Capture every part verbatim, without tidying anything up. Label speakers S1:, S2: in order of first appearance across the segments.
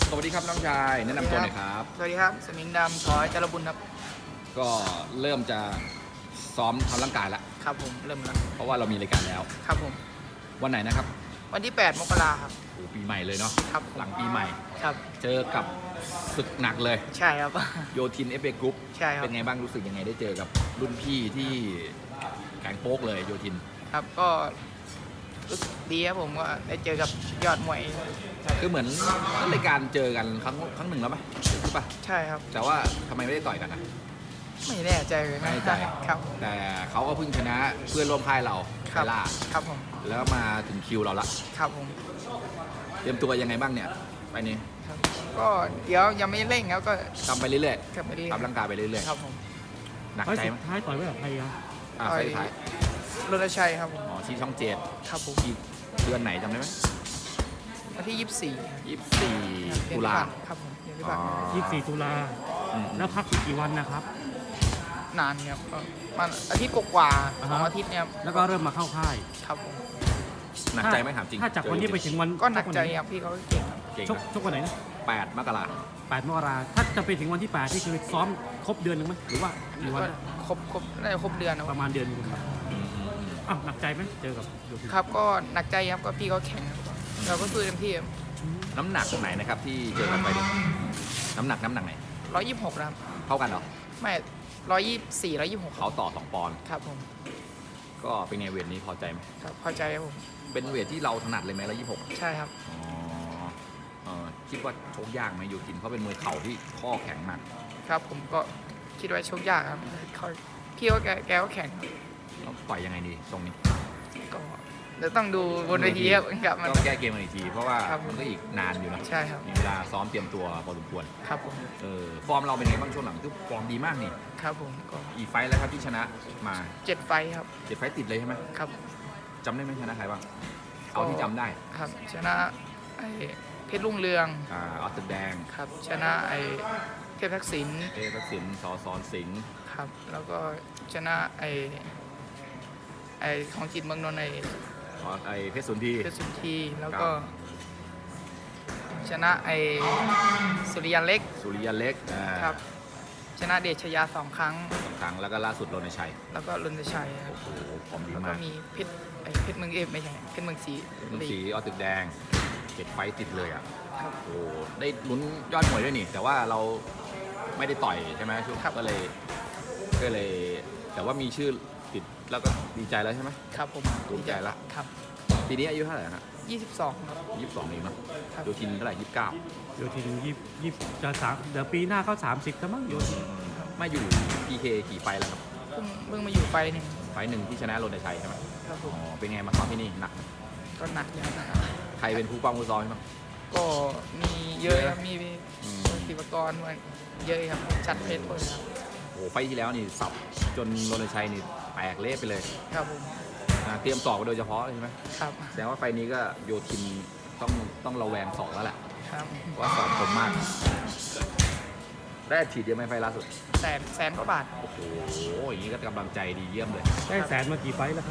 S1: สวัสดีครับน้องชายแนะนำตัวหน่อยครับ
S2: สวัสดีครับสมิงดำขอจารบุญครับ
S1: ก็เริ่มจะซ้อมทำร่างกายแล้ว
S2: ครับผมเริ่มแล้ว
S1: เพราะว่าเรามีรายการแล้ว
S2: ครับผม
S1: วันไหนนะครับ
S2: วันที่แปดมกราครับ
S1: โอ้ปีใหม่เลยเนาะ
S2: ครับ
S1: หลังปีใหม่
S2: ครับ
S1: เจอกับศึกหนักเลย
S2: ใช่ครับ
S1: โยทินเอฟเอกรุ๊ป
S2: ใช่ครับ
S1: เป็นไงบ้างรู้สึกยังไงได้เจอกับรุ่นพี่ที่แข็งโป๊กเลยโยทิน
S2: ครับก็รู้สึกดีครับผมว่าได้เจอกับยอดมวย
S1: คือเหมือนรายการเจอกันครั้งครั้งหนึ่งแล้วไหมใช่ปะ
S2: ใช่ครับ
S1: แต่ว่าทำไมไม่ได้ต่อยกันนะ
S2: ไม่แน่ใจเลย
S1: ไม่แน่ใจ
S2: ครับ
S1: แต่เขาก็เพิ่งชนะเพื่อนร่วมค่ายเราไคล่า
S2: ครับผม
S1: แล้วมาถึงคิวเราละ
S2: ครับผม
S1: เตรียมตัวยังไงบ้างเนี่ยไปนี้
S2: ก็เดี๋ยวยังไม่เร่งแล้วก็
S1: ทำไปเรื่อย
S2: ๆทำไปเรื่อย
S1: ๆทำร่างกายไปเรื่อย
S2: ๆครับผม
S1: หนักใจไหม
S3: ท้ายต่อยไว้กับใครครับ
S1: อ่าไฟท้าย
S2: รณชัยครับผม
S1: อ๋อที่ช่องเจ็ด
S2: ครับผม
S1: ที่เดือนไหนจำได้ไหม
S2: วันที่ยี่สิบสี่
S1: ยี่สิบสี่ตุลา
S2: ครับผมเดือนที่ผ่านมา
S3: ยี่สิบสี่ตุลาแล้วพักกี่วันนะครับ
S2: นานครับมันอาทิตย์กว่าสองอาทิตย์เนี่ย
S3: แล้วก็เริ่มมาเข้าค่าย
S2: ครับผม
S1: หนักใจไหมถามจริง
S3: ถ้าจากวันนี้ไปถึงวัน
S2: ก็หนักใจครับพี่เขาเก่ง
S1: เก่ง
S3: ชกชกวันไหนนะ
S1: แปดมกรา
S3: แปดมกราถ้าจะไปถึงวันที่แปดที่คือซ้อมครบเดือนหนึ่งไหมหรือว่ากี่วัน
S2: ครบครบได้ครบเดือนนะ
S3: ประมาณเดือนนึงครับอ้าวหนักใจไหมเจอกับ
S2: ครับก็หนักใจครับก็พี่เขาแข็งเราก็สู้เต็มที่
S1: น้ำหนักตรงไหนนะครับที่เจอกันไปดิน้ำหนักน้ำหนักไหน
S2: ร้อยยี่สิบหกครับ
S1: เท่ากันเหรอ
S2: ไม่ร้อยยี่สิบสี่ร้อยยี่สิบหก
S1: เขาต่อสองปอนด์
S2: ครับผม
S1: ก็เป็นไงเวทนี้พอใจไหม
S2: ครับพอใจครับผม
S1: เป็นเวทที่เราถนัดเลยไหมร้อยยี่สิบหก
S2: ใช่ครับ
S1: อ๋อคิดว่าชกยากไหมยูกินเขาเป็นมวยเข่าที่ข้อแข็งมาก
S2: ครับผมก็คิดว่าชกยากครับพี่ว่าแกแกก็แข็ง
S1: เราปล่อยยังไงดีตรงนี้
S2: ก็เดี๋ยวต้องดูบนเวทีครับ
S1: ต้องแก้เกมอีกทีเพราะว่ามันก็อีกนานอยู่นะ
S2: ใช่ครับ
S1: มีเวลาซ้อมเตรียมตัวพอสมควร
S2: ครับผม
S1: เออฟอร์มเราเป็นไงบ้างช่วงหลังคือฟอร์มดีมากนี่
S2: ครับผมก็
S1: อีไฟแล้วครับที่ชนะมา
S2: เจ็ดไฟครับ
S1: เจ็ดไฟติดเลยใช่ไหม
S2: ครับ
S1: จำได้ไหมชนะใครบ้างเอาที่จำได้
S2: ครับชนะไอเพชรรุ่งเรือง
S1: อ่าออสแดง
S2: ครับชนะไอเทพทักษิณ
S1: เทพทักษิณสอสอนสิงห์
S2: ครับแล้วก็ชนะไอไอของจิตเมืองนนท์ไอ
S1: ไอเพชรสุนทรี
S2: เพชรสุนทรีแล้วก็ชนะไอสุริยันเล็ก
S1: สุริยันเล็ก
S2: ครับชนะเดชยาสองครั้ง
S1: สองครั้งแล้วก็ล่าสุดรณชัย
S2: แล้วก็รณชัย
S1: โอ้โหพร้อมดีมาก
S2: แล้วก็มีเพชรไอเพชรเมืองเอฟไม่ใช่เพชรเมืองสี
S1: เมืองสีออตึกแดงเจ็ดไฟติดเลยอ่ะโอ้ได้ลุ้นยอดมวยด้วยนี่แต่ว่าเราไม่ได้ต่อยใช่ไหมชุดก็เลยก็เลยแต่ว่ามีชื่อติดแล้วก็ดีใจแล้วใช่ไหม
S2: ครับผม
S1: ภูมิใจแล้ว
S2: ครับ
S1: ปีนี้อายุเท่าไหร่ฮะ
S2: ยี่สิบสองครับ
S1: ยี่สิบสองเองเนาะโยทินเท่าไหร่ยี่สิบเก้า
S3: โยทินยี่ยี่จะสามเดี๋ยวปีหน้าเขาสามสิบแล้วมั้งโยทิน
S1: มาอยู่พีเคกี่ไฟแล้วครับ
S2: เพิ่งเพิ่งมาอยู่ไฟหนึ่ง
S1: ไฟหนึ่งที่ชนะรณชัยใช่ไหม
S2: ครับผม
S1: อ๋อเป็นไงมาซ้อมที่นี่หนัก
S2: ก็หนักอยู่นะครับ
S1: ใครเป็นผู้ป้องผู้ซ้อมใช่ไหม
S2: ก็มีเยอะครับมีศิวกรเยอะครับชัดเพชรเลยครับ
S1: โอ้ไฟที่แล้วนี่สับจนรณชัยนี่แตกเละไปเลย
S2: ครับผม
S1: เตรียมสอบโดยเฉพาะใช่ไหม
S2: ครับ
S1: แสดงว่าไฟนี้ก็โยทินต้องต้องระแวงสอบแล้วแหละ
S2: ครับ
S1: ว่าสอบคมมากได้ฉีดเยอะไหมไฟล่าสุด
S2: แสนแสนกว่าบาท
S1: โอ้โหอย่างนี้ก็กำลังใจดีเยี่ยมเลย
S3: ได้แสนมากี่ไฟแล้วครับ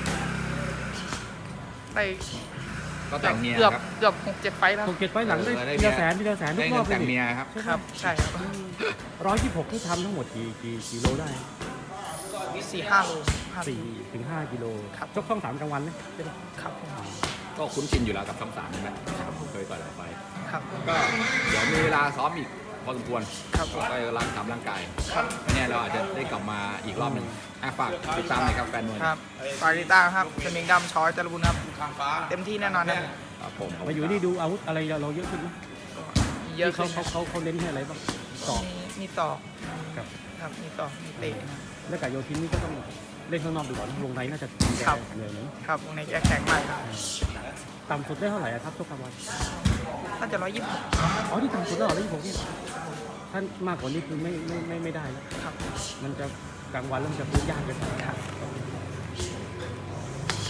S2: ได้
S1: ก็แต่งเมีย
S2: ครับ
S1: เ
S2: กือบหกเจ็ดไฟแล้ว
S3: หกเจ็ดไฟหลังได้ทีละแสนทีละแสนทุกรอบ
S1: แต่งเมียครับ
S2: ครับใช่ครับ
S3: ร้อยยี่สิบหกที่ทำทั้งหมดกี่กี่กิโลได้
S2: สี่ห้าโล
S3: สี่ถึงห้ากิโลชกช่องสามกลางวันไหมใช่ไหม
S2: ครับ
S1: ก็คุ้นชินอยู่แล้วกับช่องสามใช่ไหมเคยต่อยเราไป
S2: ครับ
S1: ก็เดี๋ยวมีเวลาซ้อมอีกพอสมควร
S2: ครับ
S1: ก็ร่างทำร่างกาย
S2: ครับ
S1: เนี่ยเราอาจจะได้กลับมาอีกรอบหนึ่งฝากติดตามหน่อยครับแฟนมวย
S2: ครับฝากติดตามครับสมิงดำชอยจารบุญครับเต็มที่แน่นอน
S1: ครับผม
S3: มาอยู่นี่ดูอาวุธอะไรเราเยอะขึ้นไหม
S2: เยอะ
S3: เขาเขาเขาเขาเน้นให้อะไรบ้าง
S2: สอบมีสอบ
S3: ครับ
S2: ครับมีสอบมีเตะ
S3: แล้วกับโยทินนี่ก็ต้องเล่นข้างนอกดูก่อนวงในน่าจะ
S2: ครับ
S3: เหนื่อยนะ
S2: ครับวงในแข็งไปครับ
S3: ต่ำสุดได้เท่าไหร่ครับทุกกลางวัน
S2: น่าจะร้อยยี่สิบ
S3: อ๋อที่ต่ำสุดแล้วร้อยยี่สิบหกนี่ท่านมากกว่านี้คือไม่ไม่ไม่ไม่ได้แล้ว
S2: ครับ
S3: มันจะกลางวันแล้วมันจะพูดยากเกินไปครับ